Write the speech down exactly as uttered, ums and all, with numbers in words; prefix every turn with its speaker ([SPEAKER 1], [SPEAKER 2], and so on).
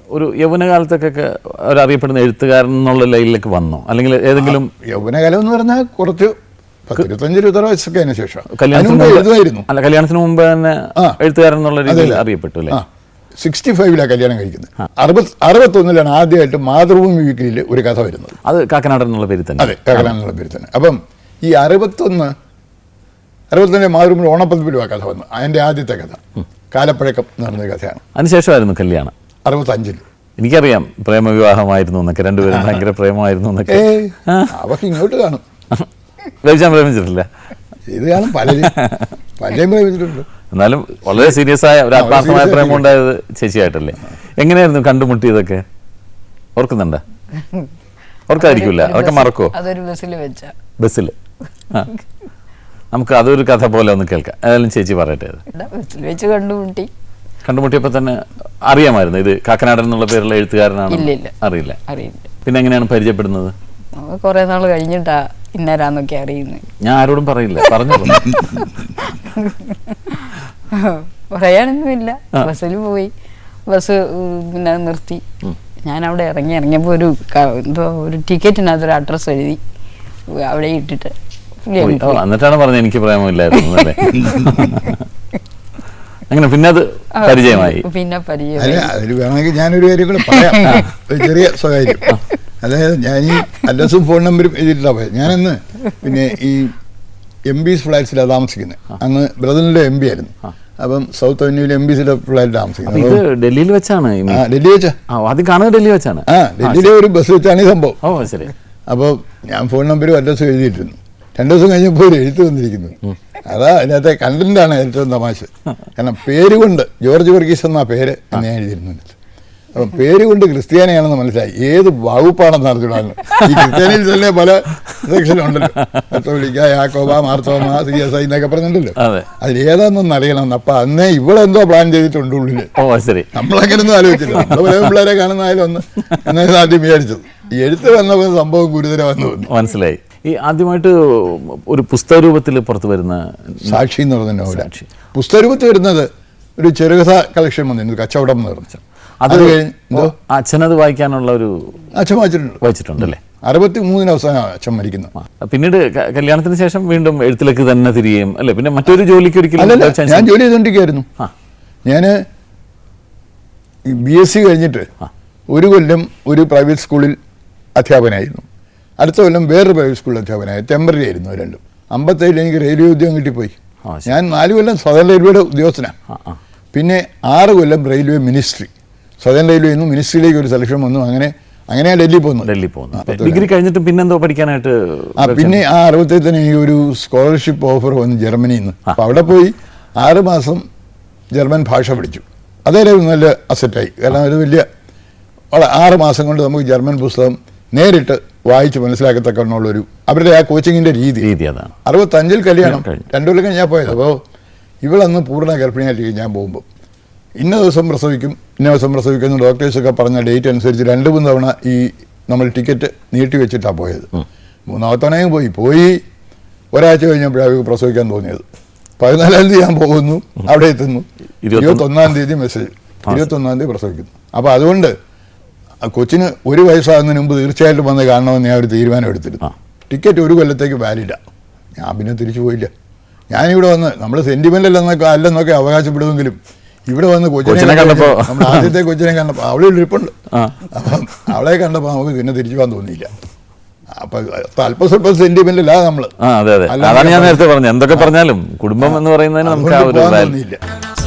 [SPEAKER 1] ഒരു യൗവനകാലത്തൊക്കെ ഒരറിയപ്പെടുന്ന എഴുത്തുകാരൻ എന്നുള്ള ലൈനിലേക്ക് വന്നോ, അല്ലെങ്കിൽ ഏതെങ്കിലും?
[SPEAKER 2] യൗവനകാലം എന്ന് പറഞ്ഞാൽ കുറച്ച് ഇരുപത്തഞ്ച് ഇരുപത്താറ് വയസ്സൊക്കെ അതിന് ശേഷം.
[SPEAKER 1] കല്യാണത്തിന് അല്ല കല്യാണത്തിന് മുമ്പ് തന്നെ എഴുത്തുകാരൻ എന്നുള്ള രീതിയിൽ അറിയപ്പെട്ടു അല്ലേ?
[SPEAKER 2] സിക്സ്റ്റി ഫൈവിലാണ് കല്യാണം കഴിക്കുന്നത്. അറുപത് അറുപത്തൊന്നിലാണ് ആദ്യമായിട്ട് മാതൃഭൂമി വീക്കിലിൽ ഒരു കഥ വരുന്നത്.
[SPEAKER 1] അത് കാക്കനാടൻ എന്നുള്ള പേര് തന്നെ.
[SPEAKER 2] അതെ, കാക്കനാടൻ എന്നുള്ള പേര് തന്നെ. അപ്പം ഈ അറുപത്തൊന്ന് അറുപത്തൊന്നിലെ മാതൃഭൂമി ഓണപ്പതിപ്പിലും ആ കഥ വന്നു. അതിൻ്റെ ആദ്യത്തെ കഥ കാലപ്പഴക്കം എന്ന് പറഞ്ഞ കഥയാണ്.
[SPEAKER 1] അതിനുശേഷമായിരുന്നു കല്യാണം.
[SPEAKER 2] അറുപത്തഞ്ചിൽ
[SPEAKER 1] എനിക്കറിയാം പ്രേമവിവാഹമായിരുന്നു എന്നൊക്കെ, രണ്ടുപേരും ഭയങ്കര പ്രേമമായിരുന്നു എന്നൊക്കെ.
[SPEAKER 2] അവർക്ക് ഇങ്ങോട്ട് കാണും.
[SPEAKER 1] രവിചാൻ പ്രേമിച്ചിട്ടില്ല?
[SPEAKER 2] ഇത് കാണും, പലരും പലരും പ്രേമിച്ചിട്ടുണ്ട്.
[SPEAKER 1] എന്നാലും വളരെ സീരിയസ് ആയ ഒരു ആത്മാർത്ഥമായ പ്രേമം ഉണ്ടായത് ചേച്ചിയായിട്ടല്ലേ? എങ്ങനെയായിരുന്നു കണ്ടുമുട്ടിയതൊക്കെ ഓർക്കുന്നുണ്ടോ? ഓർക്കാതിരിക്കില്ല, അതൊക്കെ മറക്കോ?
[SPEAKER 3] അതൊരു ബസ്സിൽ വെച്ച
[SPEAKER 1] ബസ്സിൽ ആ നമുക്ക് അതൊരു കഥ പോലെ ഒന്ന് കേൾക്കാം. ഏതായാലും ചേച്ചി പറയട്ടെ.
[SPEAKER 3] ബസ്സിൽ വെച്ച് കണ്ടുമുട്ടി.
[SPEAKER 1] കണ്ടുമുട്ടിയപ്പോൾ തന്നെ അറിയാമായിരുന്നു ഇത് കാക്കനാടൻ എന്നുള്ള പേരുള്ള എഴുത്തുകാരനാണ്? അറിയില്ല.
[SPEAKER 3] അറിയില്ല.
[SPEAKER 1] പിന്നെ എങ്ങനെയാണ് പരിചയപ്പെടുന്നത്?
[SPEAKER 3] കുറെ നാൾ കഴിഞ്ഞിട്ടാ ഇന്നാരാന്നൊക്കെ അറിയുന്നത്.
[SPEAKER 1] ഞാൻ ആരോടും പറയില്ല, പറഞ്ഞു
[SPEAKER 3] പറയാനൊന്നുമില്ല. ബസ്സിൽ പോയി, ബസ് പിന്നെ നിർത്തി. ഞാൻ അവിടെ ഇറങ്ങി ഇറങ്ങിയപ്പോൾ ഒരു എന്തോ ഒരു ടിക്കറ്റിനകത്തൊരു അഡ്രസ്സ് എഴുതി അവിടെ ഇട്ടിട്ട്
[SPEAKER 1] എന്നിട്ടാണ് പറഞ്ഞത് എനിക്ക് പ്രേമമില്ലായിരുന്നു അല്ലേ? അങ്ങനെ പിന്നെ അത് പരിചയമായി.
[SPEAKER 3] പിന്നെ പരിചയം
[SPEAKER 2] അതിൽ വേണമെങ്കിൽ ഞാനൊരു കാര്യം കൂടെ പറയാം, ഒരു ചെറിയ സ്വകാര്യം. അതായത് ഞാൻ ഈ അഡ്രസ്സും ഫോൺ നമ്പറും എഴുതിയിട്ടാണ് പോയത്. ഞാനന്ന് പിന്നെ ഈ എം ബീസ് ഫ്ലാറ്റ്സിലാണ് താമസിക്കുന്നത്. അന്ന് ബ്രദറിൻ്റെ എം ബി ആയിരുന്നു. അപ്പം സൗത്ത് അവന്യൂവിൽ എം ബിസിയുടെ ഫ്ലാറ്റ് താമസിക്കുന്നത്.
[SPEAKER 1] ഡൽഹിയിൽ വെച്ചാണ്?
[SPEAKER 2] ഡൽഹി വെച്ചാ
[SPEAKER 1] ആദ്യം കാണുന്നത് ഡൽഹി വെച്ചാണ്.
[SPEAKER 2] ആ, ഡൽഹിയിലെ ഒരു ബസ് വെച്ചാണ് ഈ സംഭവം.
[SPEAKER 1] ഓ ശരി.
[SPEAKER 2] അപ്പോൾ ഞാൻ ഫോൺ നമ്പറും അഡ്രസ്സും എഴുതിയിട്ടിരുന്നു. രണ്ടു ദിവസം കഴിഞ്ഞപ്പോൾ ഒരു എഴുത്ത് വന്നിരിക്കുന്നു. അതാ അതിനകത്തെ കണ്ടന്റാണ് ഏറ്റവും തമാശ. കാരണം പേര് കൊണ്ട് ജോർജ് വർഗീസ് എന്നാ പേര് എന്ന് ഞാൻ എഴുതിയിരുന്നുണ്ട്. അപ്പം പേര് കൊണ്ട് ക്രിസ്ത്യാനിയാണെന്ന് മനസ്സിലായി. ഏത് വകുപ്പാണെന്ന് അറിഞ്ഞിടാണ്. ഈ ക്രിസ്ത്യാനിയിൽ തന്നെ പല സെക്ഷനുണ്ടല്ലോ, കത്തോലിക്ക, Yakoba, Marthoma, C S I എന്നൊക്കെ പറഞ്ഞിട്ടുണ്ടല്ലോ. അതിൽ ഏതാണെന്നൊന്ന് അറിയണം. അപ്പൊ അന്നേ ഇവളെന്തോ പ്ലാൻ ചെയ്തിട്ടുണ്ട് ഉള്ളില്. നമ്മളങ്ങനൊന്നും ആലോചിച്ചില്ല. നമ്മള് പല പിള്ളേരെ കാണുന്നതായാലും ഒന്ന് എന്നായിരുന്നു ആദ്യം വിചാരിച്ചത്. ഈ എഴുത്ത് വന്നപ്പോൾ സംഭവം ഗുരുതരമെന്ന് തോന്നി.
[SPEAKER 1] മനസ്സിലായി. ഈ ആദ്യമായിട്ട് ഒരു പുസ്തക രൂപത്തിൽ പുറത്തു വരുന്ന
[SPEAKER 2] സാക്ഷി എന്ന് പറഞ്ഞ നോവൽ പുസ്തക രൂപത്തിൽ വരുന്നത് ഒരു ചെറുകഥ കളക്ഷൻ വന്നിരുന്നു, കച്ചവടം എന്ന് പറഞ്ഞു.
[SPEAKER 1] അത് അച്ഛനത് വായിക്കാനുള്ള ഒരു
[SPEAKER 2] അച്ഛൻ വായിച്ചിട്ടുണ്ട്
[SPEAKER 1] വായിച്ചിട്ടുണ്ടല്ലേ?
[SPEAKER 2] അറുപത്തി മൂന്നിന് അവസാനം അച്ഛൻ മരിക്കുന്നു.
[SPEAKER 1] പിന്നീട് കല്യാണത്തിന് ശേഷം വീണ്ടും എഴുത്തിലേക്ക് തന്നെ തിരികെയും അല്ലെ? പിന്നെ മറ്റൊരു ജോലിക്ക് ഒരിക്കലും?
[SPEAKER 2] ഞാൻ ജോലി ചെയ്തോണ്ടിരിക്കുകയായിരുന്നു. ഞാൻ ബി എസ് സി കഴിഞ്ഞിട്ട് ഒരു കൊല്ലം ഒരു പ്രൈവറ്റ് സ്കൂളിൽ അധ്യാപകനായിരുന്നു. അടുത്ത കൊല്ലം വേറൊരു പ്രൈവറ്റ് സ്കൂളിൽ അധ്യാപകനായി. ടെമ്പററി ആയിരുന്നു രണ്ടും. അമ്പത്തേഴിൽ എനിക്ക് റെയിൽവേ ഉദ്യോഗം കിട്ടിപ്പോയി. ഞാൻ നാല് കൊല്ലം സദൻ റെയിൽവേയുടെ ഉദ്യോഗസ്ഥനാണ്. പിന്നെ ആറ് കൊല്ലം റെയിൽവേ മിനിസ്ട്രി, സദൻ റെയിൽവേ നിന്ന് മിനിസ്ട്രിയിലേക്ക് ഒരു സെലക്ഷൻ വന്നു. അങ്ങനെ അങ്ങനെ ഡൽഹി പോകുന്നു.
[SPEAKER 1] ഡൽഹി പോകുന്നു. ഡിഗ്രി കഴിഞ്ഞിട്ട് പിന്നെന്തോ പഠിക്കാനായിട്ട്?
[SPEAKER 2] ആ പിന്നെ ആ അറുപത്തേഴ് തന്നെ ഈ ഒരു സ്കോളർഷിപ്പ് ഓഫർ വന്നു ജർമ്മനിയിൽ നിന്ന്. അപ്പോൾ അവിടെ പോയി ആറ് മാസം ജർമ്മൻ ഭാഷ പഠിച്ചു. അതേലും നല്ല അസറ്റായി. കാരണം ഒരു വലിയ ആറ് മാസം കൊണ്ട് നമുക്ക് ജർമ്മൻ പുസ്തകം നേരിട്ട് വായിച്ച് മനസ്സിലാക്കത്തക്കുള്ളൊരു അവരുടെ ആ കോച്ചിങ്ങിൻ്റെ രീതി
[SPEAKER 1] രീതി അതാണ്.
[SPEAKER 2] അറുപത്തഞ്ചിൽ കല്യാണം, രണ്ടു കൊല്ലം കഴിഞ്ഞാൽ പോയത്. അപ്പോൾ ഇവളന്ന് പൂർണ്ണ ഗർഭിണിയായിട്ട് ഞാൻ പോകുമ്പോൾ ഇന്ന ദിവസം പ്രസവിക്കും ഇന്ന ദിവസം പ്രസവിക്കുന്ന ഡോക്ടേഴ്സൊക്കെ പറഞ്ഞ ഡേറ്റ് അനുസരിച്ച് രണ്ട് മൂന്ന് തവണ ഈ നമ്മൾ ടിക്കറ്റ് നീട്ടി വെച്ചിട്ടാണ് പോയത്. മൂന്നാമത്തെ തവണയും പോയി പോയി ഒരാഴ്ച കഴിഞ്ഞപ്പോഴാണ് പ്രസവിക്കാൻ തോന്നിയത്. പതിനാലാം തീയതി ഞാൻ പോകുന്നു, അവിടെ എത്തുന്നു. ഇരുപത്തൊന്നാം തീയതി മെസ്സേജ്, ഇരുപത്തൊന്നാം തീയതി പ്രസവിക്കുന്നു. അപ്പോൾ അതുകൊണ്ട് കൊച്ചിന് ഒരു വയസ്സാകുന്നതിന് മുമ്പ് തീർച്ചയായിട്ടും വന്ന് കാണണമെന്ന് ഞാൻ ഒരു തീരുമാനം എടുത്തിരുന്നു. ടിക്കറ്റ് ഒരു കൊല്ലത്തേക്ക് വാലിഡാണ്. ഞാൻ പിന്നെ തിരിച്ചു പോയില്ല. ഞാനിവിടെ വന്ന് നമ്മൾ സെൻറ്റിമെൻ്റൽ എന്നൊക്കെ അല്ലെന്നൊക്കെ അവകാശപ്പെടുമെങ്കിലും ഇവിടെ വന്ന് കൊച്ചിനെ കണ്ടപ്പോൾ, നമ്മൾ ആദ്യത്തെ കൊച്ചിനെ കണ്ടപ്പോൾ അവളെ ഇരിപ്പുണ്ട്. അപ്പം അവളെ കണ്ടപ്പോൾ നമുക്ക് പിന്നെ തിരിച്ചു പോകാൻ തോന്നിയില്ല. അപ്പം അല്പ സ്വല്പം സെൻറ്റിമെൻ്റൽ ആ നമ്മൾ.
[SPEAKER 1] അതാണ് ഞാൻ നേരത്തെ പറഞ്ഞത്. എന്തൊക്കെ പറഞ്ഞാലും കുടുംബം എന്ന് പറയുന്നതിന് നമുക്ക് തോന്നിയില്ല.